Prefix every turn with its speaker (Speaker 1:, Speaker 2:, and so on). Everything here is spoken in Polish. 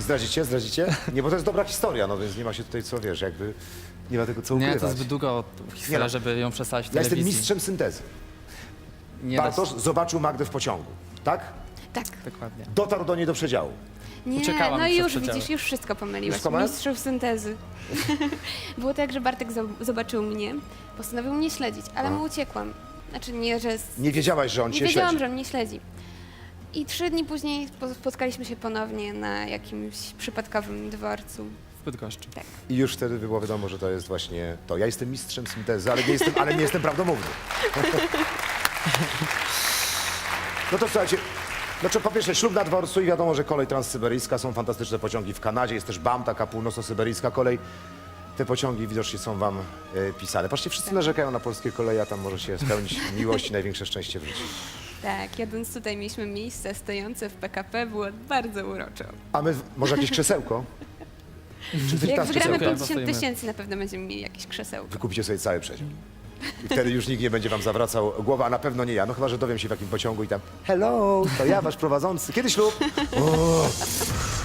Speaker 1: Zdradzicie? Zdradzicie? Nie, bo to jest dobra historia, no więc nie ma się tutaj co, wiesz, jakby nie ma tego co ukrywać.
Speaker 2: Nie, to jest zbyt długo historia,
Speaker 1: Nie no.
Speaker 2: żeby ją przedstawić w
Speaker 1: Ja jestem
Speaker 2: telewizji.
Speaker 1: mistrzem syntezy.
Speaker 2: Nie da
Speaker 1: Bartosz zobaczył Magdę w pociągu, tak?
Speaker 3: Tak.
Speaker 2: Dokładnie.
Speaker 1: Dotarł do niej do przedziału.
Speaker 3: Nie,
Speaker 2: Uciekałam
Speaker 3: no i
Speaker 2: przed
Speaker 3: już
Speaker 2: przedziałem.
Speaker 3: widzisz, już wszystko pomyliłaś.
Speaker 1: Wszystko masz?
Speaker 3: Mistrzów syntezy. Było tak, że Bartek zobaczył mnie, postanowił mnie śledzić, ale mu uciekłam. Znaczy nie, że...
Speaker 1: Nie wiedziałaś, że on
Speaker 3: Nie
Speaker 1: cię
Speaker 3: wiedziałam,
Speaker 1: śledzi.
Speaker 3: że on mnie śledzi. I 3 dni później spotkaliśmy się ponownie na jakimś przypadkowym dworcu.
Speaker 2: W Bydgoszczy.
Speaker 3: Tak.
Speaker 1: I już wtedy było wiadomo, że to jest właśnie to. Ja jestem mistrzem syntezy, ale nie jestem prawdomówny. No to słuchajcie, znaczy po pierwsze ślub na dworcu i wiadomo, że kolej transsyberyjska, są fantastyczne pociągi w Kanadzie, jest też BAM, taka północno-syberyjska kolej. Te pociągi widocznie są wam pisane. Patrzcie, wszyscy narzekają na polskie koleje, a tam może się spełnić miłość i największe szczęście w życiu.
Speaker 3: Tak, jadąc tutaj mieliśmy miejsce stojące w PKP, było bardzo uroczo.
Speaker 1: A my, może jakieś krzesełko? Czy ty
Speaker 3: Jak
Speaker 1: tam
Speaker 3: wygramy
Speaker 1: krzesełko?
Speaker 3: 50 tysięcy, na pewno będziemy mieli jakieś krzesełko.
Speaker 1: Wykupicie sobie cały przedział. I wtedy już nikt nie będzie wam zawracał głowy, a na pewno nie ja. No chyba, że dowiem się w jakim pociągu i tam hello, to ja wasz prowadzący. Kiedy ślub? O,